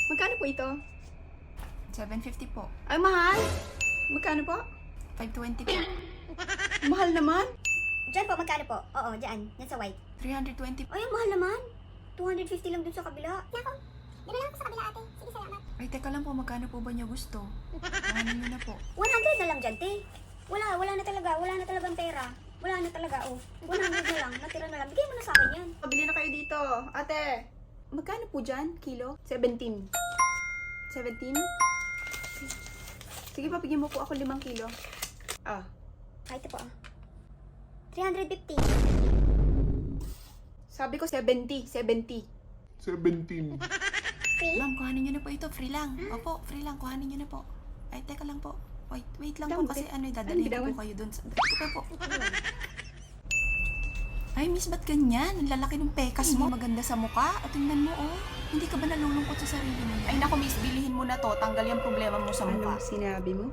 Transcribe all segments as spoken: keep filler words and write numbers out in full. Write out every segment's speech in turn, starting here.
Magkano po ito? seven fifty po. Ay, mahal. Magkano po? five twenty po. Mahal naman. Diyan po, magkano po? Oo, diyan. Yan sa white. three twenty po. Ay, ang mahal naman. two fifty lang dun sa kabila. Nako, dala lang ako sa kabila ate. Sige, salamat. Ay, teka lang po, magkano po ba niyo gusto? Ano nyo na po. one hundred na lang dyan, te. Wala, wala na talaga. Wala na talagang pera. Wala na talaga, oh. one hundred na lang. Natira na lang. Bigay mo na sa akin yan. Pabili na kayo dito. Ate, magkano po dyan? Kilo? seventeen. seventeen? Sige, papigyan mo po ako limang kilo. Ah. Ay, ito po, ah. three fifty. Sabi ko seventy. seventy. seventeen. Free? Ma'am, kuhanin nyo na po ito. Free lang. Opo, free lang. Kuhanin nyo na po. Ay, teka lang po. Wait, wait lang po Dam, kasi te- ano, ano, dadalhin ko bitawan? po kayo dun. Sa... Teka po. Ay, miss, ba't ganyan? Ang lalaki ng pekas mo. Maganda sa mukha. At tingnan mo, oh. Hindi ka ba nalulungkot sa sarili mo? Ay, naku, miss, bilihin mo na to. Tanggal yung problema mo sa mukha. Ano sinabi mo?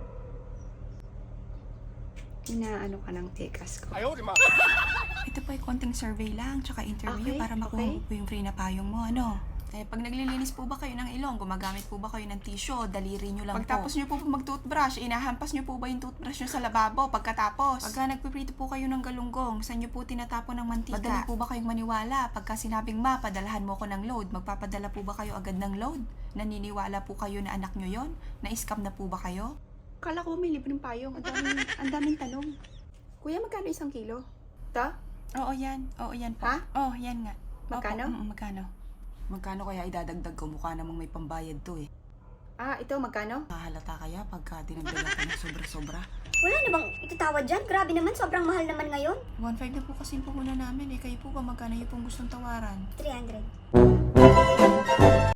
Inaano ka ng tekas ko. Ito po ay konting survey lang, tsaka interview Okay, para makuha okay. mo po yung free na payong mo, ano? Eh, pag naglilinis po ba kayo ng ilong, gumagamit po ba kayo ng tissue, daliri nyo lang Pagtapos nyo po mag-toothbrush, inahampas nyo po ba yung toothbrush nyo sa lababo pagkatapos? Pagka nagpiprito po kayo ng galunggong, saan nyo po tinatapon ng mantika? Madali po ba kayong maniwala? Pagka sinabing ma, padalahan mo ko ng load, magpapadala po ba kayo agad ng load? Naniniwala po kayo na anak nyo yon? Na-scam na po ba kayo? Kala ko may libreng payong. Ang daming, ang daming tanong. Kuya, magkano isang kilo? Ta? Oo, yan. Oo, yan po. Ha? Oo, yan nga. Magkano? Opo, mm, magkano? Magkano kaya idadagdag ko? Mukha namang may pambayad to eh. Ah, ito, magkano? Kahalata kaya pagka dinagdagan ko ng sobra-sobra? Wala na bang itatawad dyan? Grabe naman, sobrang mahal naman ngayon. one five na po kasi yung puhunan namin eh. Kayo po ba magkano yung pong gustong tawaran? three hundred.